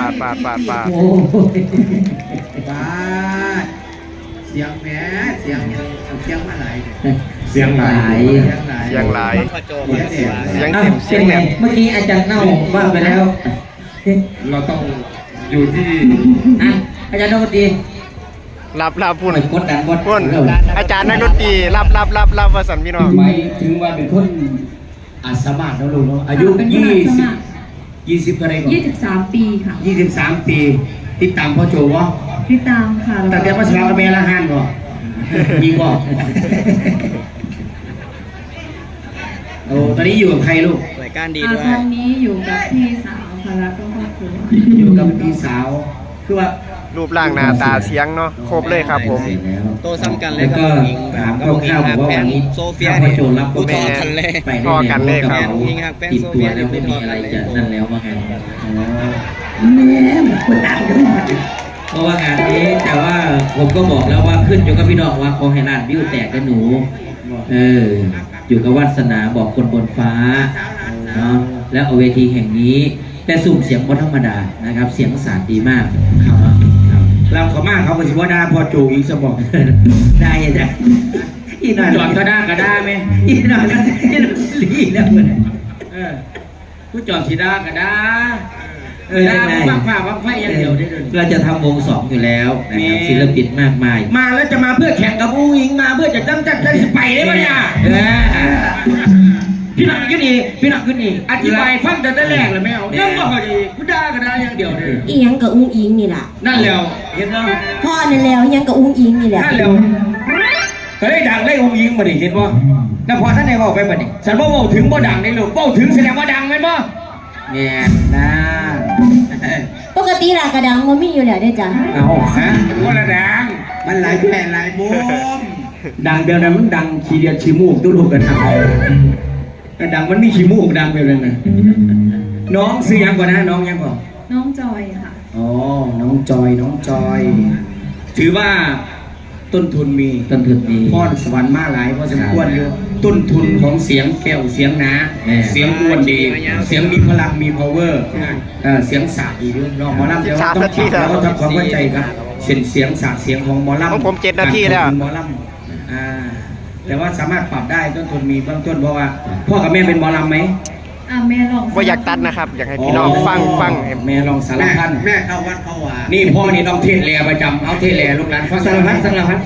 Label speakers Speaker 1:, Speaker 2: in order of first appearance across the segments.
Speaker 1: าด
Speaker 2: โอ้ย
Speaker 3: บ้าเสียงแหมเสียงเสียงมาหลาย
Speaker 2: เสียงหลาย
Speaker 1: เสียงหลาย
Speaker 3: เสียง
Speaker 1: เสียง
Speaker 2: อ้า
Speaker 1: เต็
Speaker 2: ว
Speaker 1: มเสีย
Speaker 2: เป็
Speaker 1: ง
Speaker 2: น
Speaker 1: แห
Speaker 2: ไง
Speaker 1: นม
Speaker 2: เมื่อกี้อาจารย์เน่าว่าไปแล้ว
Speaker 4: เราต้องอยู่ที่
Speaker 2: อ่ะอาจารย์ดนตรี
Speaker 1: รับพูด
Speaker 2: กดดันกด
Speaker 1: พูดอาจารย์นักดนตรีรับว่าสันพี่น้อง
Speaker 4: หมายถึงว่าเป็นคนอาสามารถแล้วลูกเนาะอายุ20อะไรก่อน
Speaker 5: 23 ปีค่ะ
Speaker 4: 23 ปีติดตามพ่อโจวะ
Speaker 5: ติดตามค่ะ
Speaker 4: ตั้งแต่มาสมัครกับแม่ละหันก่อนมีก่อนโอ้ตอนนี้อยู่กับใครลูก
Speaker 3: รายการดี
Speaker 5: ต
Speaker 3: ด้วย
Speaker 5: อนนี้อยู่กับพี่สาวค่ะแล้วก็ครอบครัว
Speaker 4: อยู่กับพี่สาวคือว่า
Speaker 1: รูปร่างหน้าตาเสียงเนาะครบเลยครับผม
Speaker 2: เสร็จแล้ว
Speaker 3: โตซ้ำกันเล
Speaker 2: แล้
Speaker 3: ยว กับ
Speaker 2: ก็
Speaker 3: อิง
Speaker 2: ถาม
Speaker 3: กับอิง
Speaker 2: คร่าวๆ
Speaker 3: หั
Speaker 2: บอก
Speaker 3: ก
Speaker 2: ว่า
Speaker 3: แป้
Speaker 2: วั
Speaker 3: ง
Speaker 2: นนี้
Speaker 3: โซเฟีย
Speaker 2: ถ้าพ่อโจรับ
Speaker 3: กูต่อกันเลย
Speaker 2: ไป
Speaker 1: พอกันเลยครับ
Speaker 2: ติดตัวแล้วไม่มีอะไรจะนั่นแล้วว่าไง
Speaker 5: แม่คนต่างกัน
Speaker 2: เพราะว่างานนี้แต่ว่าผมก็บอกแล้วว่าขึ้นอยู่กับพี่น้องว่าขอให้ร้านวิวแตกกันหนูอยู่กับวาสนาบอกคนบนฟ้าเนาะแล้วเอาเวทีแห่งนี้แต่สุ่มเสียงบนธรรมดานะครับเสียงสารดีมากครับ
Speaker 4: เราเขามากเขาก็สิว่าด่าพ่อโจอีกสบอก
Speaker 2: ได้จ้ะอีหน่อย
Speaker 4: จอดก็ด่าก็ด่าไหม
Speaker 2: อีหน่อยก็จะลีแล้วเหมือน
Speaker 4: ผู้จอดสีด่าก็ด่า
Speaker 2: ได้ไหม
Speaker 4: ฟังฝ่าฟังไฟอย่างเดียวได้เลย
Speaker 2: เราจะทำวงสองอยู่แล้วนะครับศิลปินมากมาย
Speaker 4: มาแล้วจะมาเพื่อแข่งกับอุ้งอิงมาเพื่อจะจัดสไปได้ไหมเนี่ยพี่หนักขึ้นอีกพี่หนักขึ้นอีกอธิบายฟังแต่แรกเลยไม่เอายังบอกเขาดีผู้ด่าก็ด่าอย่างเดียวเลย
Speaker 6: อีหยังกับอุ้งอิงนี่แหละ
Speaker 4: นั่นแล้วเห็นไหม
Speaker 6: พ่อนั่นแล้วอีหยังกับอุ้งอิงนี่แหละ
Speaker 4: นั่นแล้วเฮ้ยดังเลยอุ้งอิงมาดิเห็นป่ะแล้วพอท่านไหนบอกไปป่ะนี่ฉันว่าถึงบ่ดังได้หรือถึงแสดงว่าดังไหมป่ะ
Speaker 2: แง่นะ
Speaker 6: ปกติรากระดังมันมีอยู่แล้วได้อจ้ะ
Speaker 4: เอาฮะคนละดังมันหลายแผ่หลายมุมดังเดียวนั้นมันดังขี้เดียดขี้มูกตู้ลูกกันทำแต่ดังมันมีขี้มูกดังไปเลยนะน้องซื้อยังก่อนนะน้องยังก่อน
Speaker 5: น้องจอยค่ะ
Speaker 4: อ๋อน้องจอยถือว่าต้นทุนมี
Speaker 2: ต้นทุนดี
Speaker 4: พรสวรรค์มาหลายพอสมควรอยู่ต้นทุนของเสียงแก้วเสียงหนาเสียงอ้วนดีเสียงมีพลังมี power เสียงสาดดีด้วยน้องหมอลำเดี๋ยวต้องปรับแล้วก็ทำความเข้าใจครับเสียงสาดเสียงของหมอลำ
Speaker 1: ของผม7 นาทีแล้ว
Speaker 4: หมอลำแต่ว่าสามารถปรับได้ต้นทุนมีเบื้องต้นเพราะว่าพ่อกับแม่เป็นหมอลำไหม
Speaker 5: แม่ลอง
Speaker 1: ว่าอยากตัดนะครับ อยากให้พี่น้องฟังให้
Speaker 4: แม่ลองสารพัด
Speaker 3: แม่เข้าวัดเข้าวา
Speaker 4: นี่พ่อนี่ต้องเทศแลประจำเอาเทศแลลูกหลานฟัง
Speaker 2: สารพัด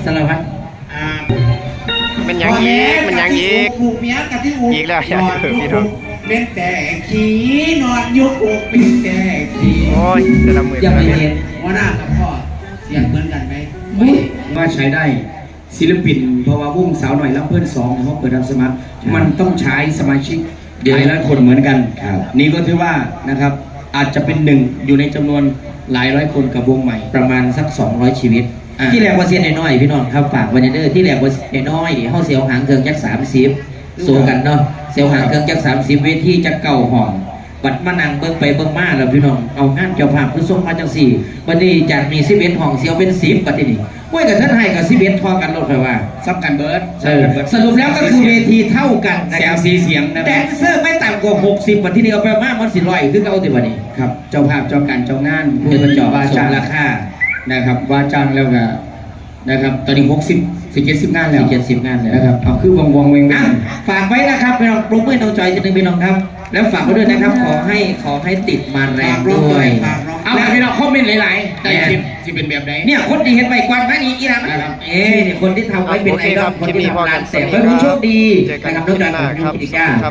Speaker 1: มันยังอีกมันยังอีก
Speaker 3: ผูกเมียกับที่อู
Speaker 1: อีกแล้ว
Speaker 3: นอน
Speaker 1: พี่น้อง
Speaker 3: เป็นแต่ขี้นอนยุกอกเป็นแต่ขี้
Speaker 1: โอ้ยแต่ละมือ
Speaker 2: อย่าไป
Speaker 1: แต่ละ
Speaker 2: เรี
Speaker 1: เม็
Speaker 2: ย
Speaker 1: ด
Speaker 2: น
Speaker 3: หัวหน้ากับพ่อเสียงเหมือนกันไหม
Speaker 4: ว่าใช้ได้ศิลปินเพราะว่าวงสาวหน่อยรับเพื่อนสองเขาเปิดรับสมัครมันต้องใช้สมาชิกหลายร้อยคนเหมือนกันนี่ก็ถือว่านะครับอาจจะเป็นหนึ่งอยู่ในจำนวนหลายร้อยคนกับวงใหม่
Speaker 2: ประมาณสัก200ชีวิต ที่แรกว่าเสียนน้อยๆพี่น้องครับฝากวันเดอร์ที่แรกว่าเสียนน้อยดิเฮาเสียวหางเครื่องจัก30โซกันเนาะเสียวหางเครื่องจัก30เวทีจักเก่าห้องบัดมานั่งเบิ่งไปเบิ่งมาแล้วพี่น้องเอางานเจ้าภาพคือส่งมาจังสี่บัดนี้จากมี11ห้องเสียวเป็น10บัดนี้โอ้ยกับท่านให้กับ11พอกันลดไปว่า
Speaker 4: ซับกันเบิร์ด
Speaker 2: สรุปแล้วก็คือเวทีเท่ากันนะ
Speaker 4: เสี
Speaker 2: ค
Speaker 4: ยง
Speaker 2: รับ
Speaker 4: สีเสียงนะ
Speaker 2: แดนเซอร์ไม่ต่ำกว่า60บัดที่นี่เอาไปมากมัน400คือเอาติบัดนี้
Speaker 4: ครับเจ้าภาพเจ้าการเจ้างาน
Speaker 2: เพื่อจอบ
Speaker 4: ว่า
Speaker 2: ส่
Speaker 4: จ้าง ง
Speaker 2: ราคา
Speaker 4: นะครับว่าจ้างแล้วก็นะครับตอนนี้60 70งานแล้ว
Speaker 2: 70งานแล้ว
Speaker 4: นะครับเอาคือวงเวง
Speaker 2: อ่ะฝากไว้นะครับพี่น้องปลุกเพื่อนน้องจอยจะนึงพี่น้องครับ แล้วฝากไว้ด้วยนะครับขอให้ติดมาแรงด้วย
Speaker 4: เอาไปพี่น้องคอมเมนต์หลายๆแต่สิเป็นแบบไหน
Speaker 2: เนี่ยคนที่เห็นใบกวาดมานี่อีหลังเนี่ยคนที่ทำไว้เป็นไอดอลคนที่ทำงานเสร็จไว้ผู้โชคดีนะครับน้องจอยของยูกิจการ